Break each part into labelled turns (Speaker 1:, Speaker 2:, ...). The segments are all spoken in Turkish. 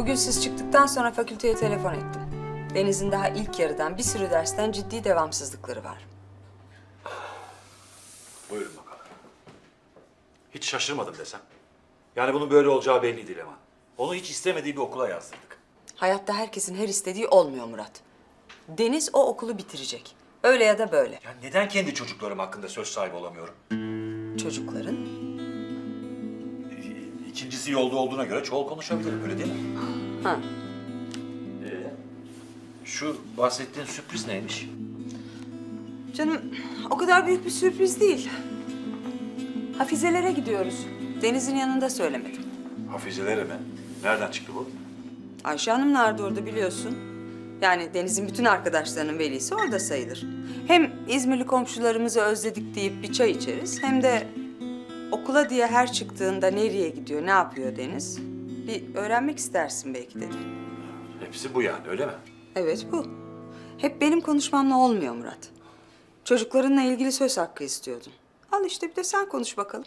Speaker 1: Bugün siz çıktıktan sonra fakülteye telefon ettim. Deniz'in daha ilk yarıdan bir sürü dersten ciddi devamsızlıkları var.
Speaker 2: Buyurun bakalım. Hiç şaşırmadım desem. Yani bunun böyle olacağı belliydi Leman. Onu hiç istemediği bir okula yazdırdık.
Speaker 1: Hayatta herkesin her istediği olmuyor Murat. Deniz o okulu bitirecek. Öyle ya da böyle.
Speaker 2: Ya neden kendi çocuklarım hakkında söz sahibi olamıyorum?
Speaker 1: Çocukların
Speaker 2: İkincisi yolda olduğuna göre çoğul konuşabilirim, öyle değil mi?
Speaker 1: Ha.
Speaker 2: Şu bahsettiğin sürpriz neymiş?
Speaker 1: Canım o kadar büyük bir sürpriz değil. Hafizelere gidiyoruz. Deniz'in yanında söylemedim.
Speaker 2: Hafizelere mi? Nereden çıktı bu?
Speaker 1: Ayşe Hanım nerede orada biliyorsun. Yani Deniz'in bütün arkadaşlarının velisi orada sayılır. Hem İzmirli komşularımızı özledik deyip bir çay içeriz. Hem de okula diye her çıktığında nereye gidiyor, ne yapıyor Deniz? Bir öğrenmek istersin belki dedim.
Speaker 2: Hepsi bu yani, öyle mi?
Speaker 1: Evet bu. Hep benim konuşmamla olmuyor Murat. Çocuklarınla ilgili söz hakkı istiyordun. Al işte bir de sen konuş bakalım.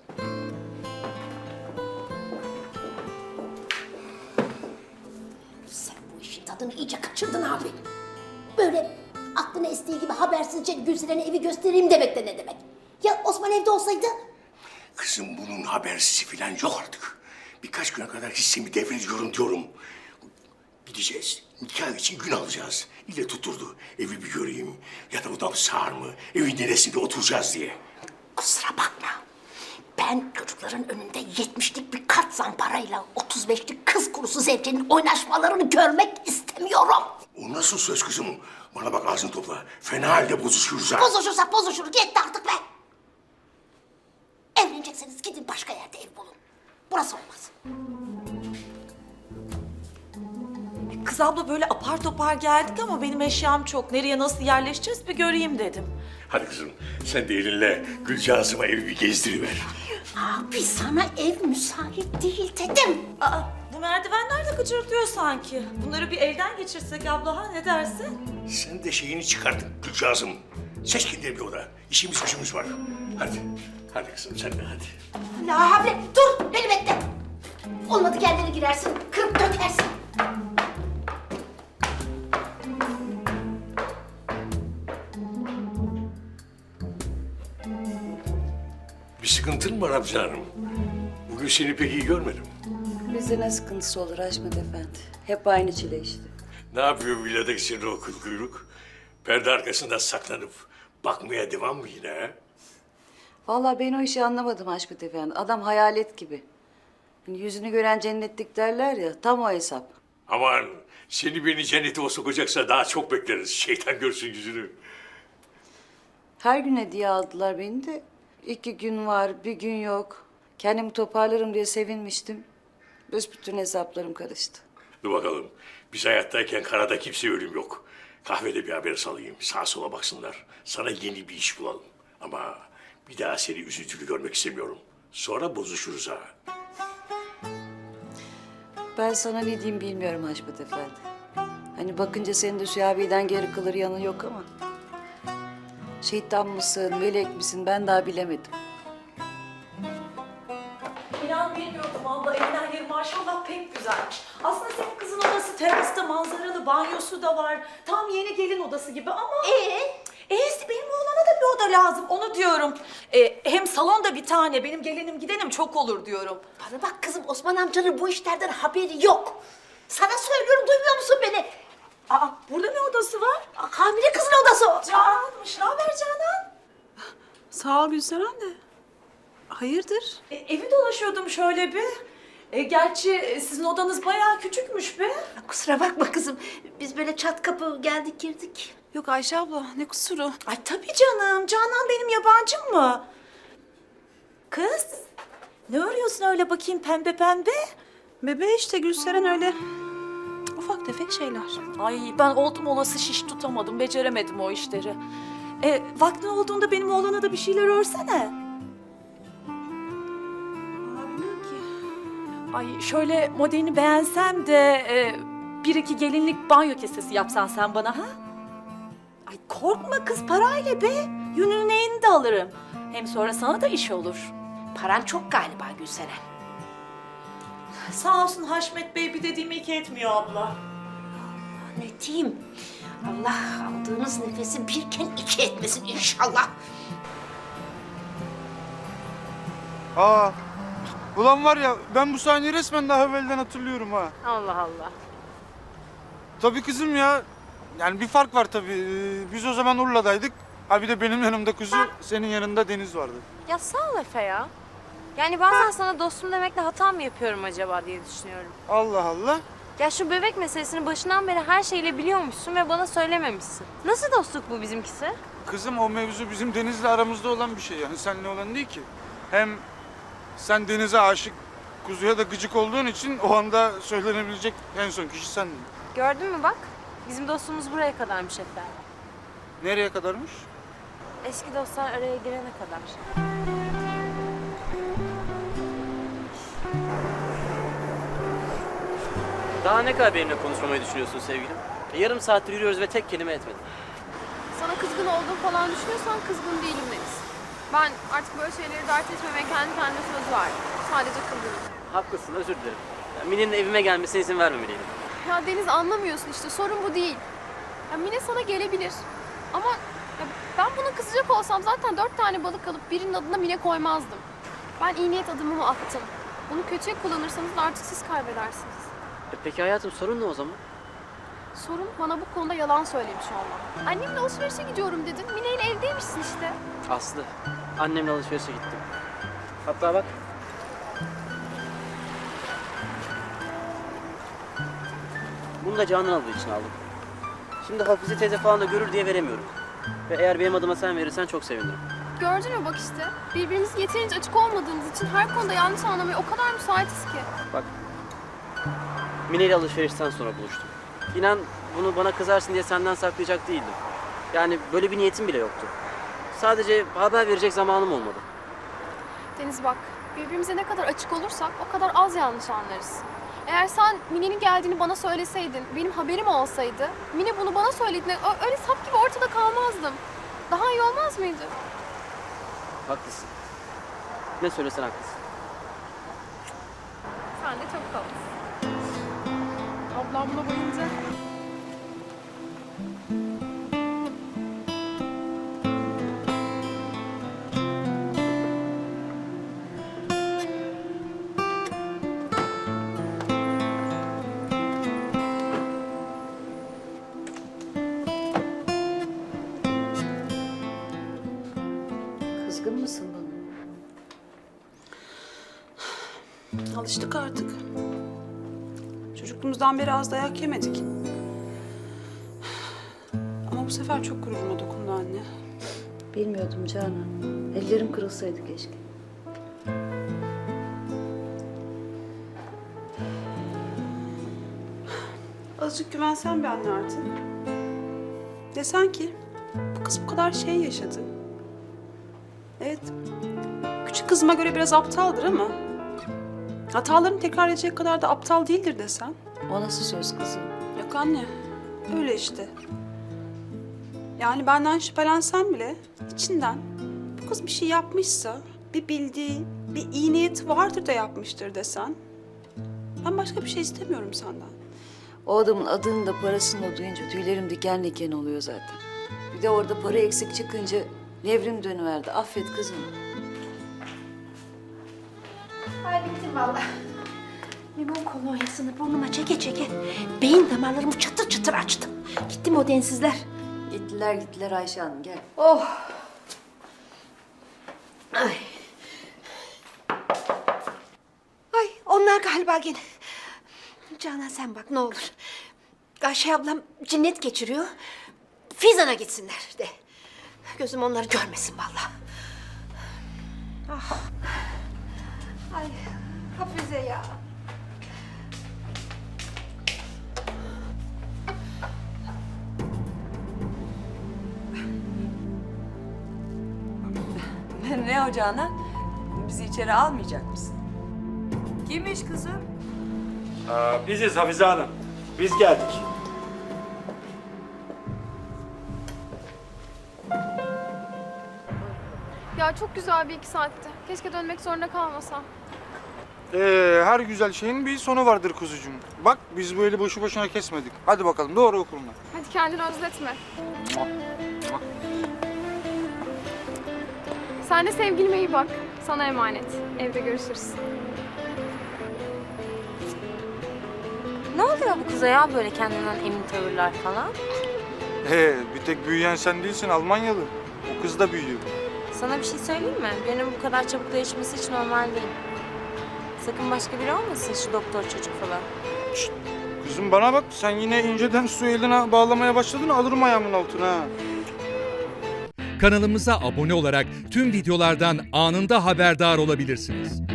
Speaker 3: Sen bu işin tadını iyice kaçırdın abi. Böyle aklına estiği gibi habersizce Gülseren'e evi göstereyim demek de ne demek? Ya Osman evde olsaydı?
Speaker 4: Kızım bunun habersizi falan yok artık. Birkaç güne kadar hissemi devrediyorum diyorum. Gideceğiz. Nikah için gün alacağız. İlle tuturdu. Evi bir göreyim. Yatak odam sağır mı? Evin neresinde oturacağız diye.
Speaker 3: Kusura bakma. Ben çocukların önünde 70'lik bir kart zamparayla 35'lik kız kurusu zevcenin oynaşmalarını görmek istemiyorum.
Speaker 4: O nasıl söz kızım? Bana bak ağzını topla. Fena halde bozuşuruz ha.
Speaker 3: Bozuşursak bozuşuruz. Yetti artık be. Evlenecekseniz gidin başka yerde ev bulun. Burası olmaz.
Speaker 5: Kız abla böyle apar topar geldik ama benim eşyam çok. Nereye nasıl yerleşeceğiz bir göreyim dedim.
Speaker 4: Hadi kızım sen de elinle Gülcağız'ıma evi bir gezdiriver.
Speaker 3: Abi sana ev müsait değil dedim.
Speaker 5: Aa, bu merdivenler de gıcırdıyor sanki. Bunları bir elden geçirsek abla ha ne dersin?
Speaker 4: Sen de şeyini çıkardın Gülcağız'ım. Seç kendine bir oda. İşimiz gücümüz var. Hadi. Hadi kızım sen de hadi.
Speaker 3: La havle dur beni bekle. Olmadı kendine girersin kırıp dökersin.
Speaker 4: Bir sıkıntın mı var Hamza Hanım? Bugün seni pek iyi görmedim.
Speaker 6: Bize ne sıkıntısı olur Haşmet Efendi? Hep aynı çile işte.
Speaker 4: Ne yapıyor villadaki senin o kıl kuyruk? Perde arkasından saklanıp bakmaya devam mı yine ha?
Speaker 6: Vallahi ben o işi anlamadım Haşmet Efendi. Adam hayalet gibi. Hani yüzünü gören cennetlik derler ya, tam o hesap.
Speaker 4: Aman seni beni cennete o sokacaksa daha çok bekleriz. Şeytan görsün yüzünü.
Speaker 6: Her gün hediye aldılar beni de. 2 gün var, bir gün yok. Kendimi toparlarım diye sevinmiştim. Büsbütün hesaplarım karıştı.
Speaker 4: Dur bakalım. Biz hayattayken karada kimse ölüm yok. Kahvede bir haber salayım. Sağa sola baksınlar. Sana yeni bir iş bulalım. Ama bir daha seni üzüntülü görmek istemiyorum. Sonra bozuşuruz ha.
Speaker 6: Ben sana ne diyeyim bilmiyorum Haşmet Efendi. Hani bakınca senin de Sühabi'den geri kalır yanı yok ama... Şeytan mısın, melek misin ben daha bilemedim.
Speaker 5: İnan bilmiyordum abla. Evden yeri maşallah pek güzelmiş. Aslında senin kızın odası terasta manzaralı, banyosu da var. Tam yeni gelin odası gibi ama... benim oğlana da bir oda lazım, onu diyorum. Hem salonda bir tane, benim gelinim gidenim çok olur diyorum.
Speaker 3: Bana bak kızım Osman amcanın bu işlerden haberi yok. Sana söylüyorum duymuyor musun beni?
Speaker 5: Aa, burada ne odası var?
Speaker 3: Hamile kızın odası o.
Speaker 5: Canan'mış, ne haber Canan?
Speaker 7: Sağ ol Gülseren de. Hayırdır?
Speaker 5: Evi dolaşıyordum şöyle bir. Gerçi sizin odanız bayağı küçükmüş be.
Speaker 3: Kusura bakma kızım. Biz böyle çat kapı geldik girdik.
Speaker 7: Yok Ayşe abla ne kusuru?
Speaker 5: Ay tabii canım. Canan benim yabancım mı? Kız, ne örüyorsun öyle bakayım pembe pembe?
Speaker 7: Bebe işte Gülseren öyle ufak tefek şeyler.
Speaker 5: Ay ben oldum olası şiş tutamadım, beceremedim o işleri. Vaktin olduğunda benim oğlana da bir şeyler örsene.
Speaker 7: Bilmiyorum ki.
Speaker 5: Ay şöyle modelini beğensem de bir iki gelinlik banyo kesesi yapsan sen bana ha? Ay korkma kız parayla be. Yününü neyini de alırım. Hem sonra sana da iş olur.
Speaker 3: Paran çok galiba Gülseren.
Speaker 5: Sağ olsun Haşmet Bey bir dediğimi iki etmiyor abla.
Speaker 3: Ne diyeyim? Allah aldığınız nefesi birken iki etmesin inşallah.
Speaker 8: Aa, ulan var ya ben bu sahneyi resmen daha evvelden hatırlıyorum ha.
Speaker 9: Allah Allah.
Speaker 8: Tabii kızım ya. Yani bir fark var tabii. Biz o zaman Urla'daydık. Ha bir de benim yanımda kuzu, senin yanında Deniz vardı.
Speaker 9: Ya sağ ol Efe ya. Yani bazen sana dostum demekle hata mı yapıyorum acaba diye düşünüyorum.
Speaker 8: Allah Allah.
Speaker 9: Ya şu bebek meselesini başından beri her şeyle biliyormuşsun ve bana söylememişsin. Nasıl dostluk bu bizimkisi?
Speaker 8: Kızım o mevzu bizim Deniz'le aramızda olan bir şey yani. Seninle olan değil ki. Hem sen Deniz'e aşık, kuzuya da gıcık olduğun için o anda söylenebilecek en son kişi sendin.
Speaker 9: Gördün mü bak? Bizim dostluğumuz buraya kadarmış Efe.
Speaker 8: Nereye kadarmış?
Speaker 9: Eski dostlar araya girene kadar.
Speaker 10: Daha ne kadar benimle konuşmamayı düşünüyorsun sevgilim? Yarım saattir yürüyoruz ve tek kelime etmedin.
Speaker 11: Sana kızgın olduğum falan düşünüyorsan kızgın değilim Deniz. Ben artık böyle şeyleri dert etmemeye kendi kendime söz verdim. Sadece kızgınım.
Speaker 10: Haklısın, özür dilerim. Mine'nin evime gelmesine izin vermemeliydim.
Speaker 11: Ya Deniz anlamıyorsun işte sorun bu değil. Ya Mine sana gelebilir. Ama ya ben buna kızacak olsam zaten 4 tane balık alıp birinin adına Mine koymazdım. Ben iyi niyet adımımı attım. Bunu kötüye kullanırsanız da artık siz kaybedersiniz.
Speaker 10: Peki hayatım sorun ne o zaman?
Speaker 11: Sorun bana bu konuda yalan söylemiş olman. Annemle alışverişe gidiyorum dedim. Mine ile evdeymişsin işte.
Speaker 10: Aslı, annemle alışverişe gittim. Hatta bak. Bunu da Canan aldığı için aldım. Şimdi Hafize teyze falan da görür diye veremiyorum. Ve eğer benim adıma sen verirsen çok sevinirim.
Speaker 11: Gördün mü bak işte. Birbirimize yeterince açık olmadığımız için her konuda yanlış anlamaya o kadar müsaitiz ki.
Speaker 10: Bak. Mine ile alışverişten sonra buluştum. İnan bunu bana kızarsın diye senden saklayacak değildim. Yani böyle bir niyetim bile yoktu. Sadece haber verecek zamanım olmadı.
Speaker 11: Deniz bak, birbirimize ne kadar açık olursak o kadar az yanlış anlarız. Eğer sen Mine'nin geldiğini bana söyleseydin, benim haberim olsaydı, Mine bunu bana söylediğinde öyle sap gibi ortada kalmazdım. Daha iyi olmaz mıydı?
Speaker 10: Haklısın. Ne söylesen haklısın.
Speaker 11: Sen de çok tatlısın. Ablam buna bayılacak.
Speaker 6: Kızgın mısın bana?
Speaker 7: Alıştık artık. Çocukluğumuzdan beri az dayak yemedik. Ama bu sefer çok gururuma dokundu anne.
Speaker 6: Bilmiyordum Canan. Ellerim kırılsaydı keşke.
Speaker 7: Azıcık güvensen bir anne artık. Desen ki bu kız bu kadar şey yaşadı. Evet, küçük kızıma göre biraz aptaldır ama hatalarını tekrar edecek kadar da aptal değildir desen.
Speaker 6: O nasıl söz kızım?
Speaker 7: Yok anne, öyle işte. Yani benden şüphelensen bile içinden bu kız bir şey yapmışsa bir bildiği, bir iyi niyeti vardır da yapmıştır desen. Ben başka bir şey istemiyorum senden.
Speaker 6: O adamın adını da parasını da duyunca tüylerim diken diken oluyor zaten. Bir de orada para eksik çıkınca nevrim dönüverdi. Affet kızım.
Speaker 3: Ay bittim vallahi. Limon kolonyasını burnuma çeke çeke beyin damarlarımı çıtır çıtır açtım. Gitti mi o densizler?
Speaker 6: Gittiler Ayşe Hanım gel.
Speaker 3: Oh. Ay. Ay onlar galiba gene. Canan sen bak ne olur. Ayşe ablam cinnet geçiriyor. Fizan'a gitsinler de. Gözüm onları görmesin vallahi. Ah. Ay Hafize ya.
Speaker 1: Ne o Canan? Bizi içeri almayacak mısın? Kimmiş kızım?
Speaker 2: Biziz Hafize Hanım. Biz geldik.
Speaker 11: Ya çok güzel bir 2 saatti. Keşke dönmek zorunda kalmasam.
Speaker 8: Her güzel şeyin bir sonu vardır kuzucuğum. Bak biz böyle boşu boşuna kesmedik. Hadi bakalım doğru okuluna.
Speaker 11: Hadi kendini özletme. Sen de sevgilime iyi bak. Sana emanet. Evde görüşürüz.
Speaker 9: Ne oluyor bu kıza ya böyle kendinden emin tavırlar falan?
Speaker 8: Bir tek büyüyen sen değilsin, Almanyalı. O kız da büyüyor.
Speaker 9: Sana bir şey söyleyeyim mi? Birinin bu kadar çabuk değişmesi hiç normal değil. Sakın başka biri olmasın şu doktor çocuk falan.
Speaker 8: Kızım bana bak, sen yine inceden su eline bağlamaya başladın, alırım ayağımın altına ha.
Speaker 12: Kanalımıza abone olarak tüm videolardan anında haberdar olabilirsiniz.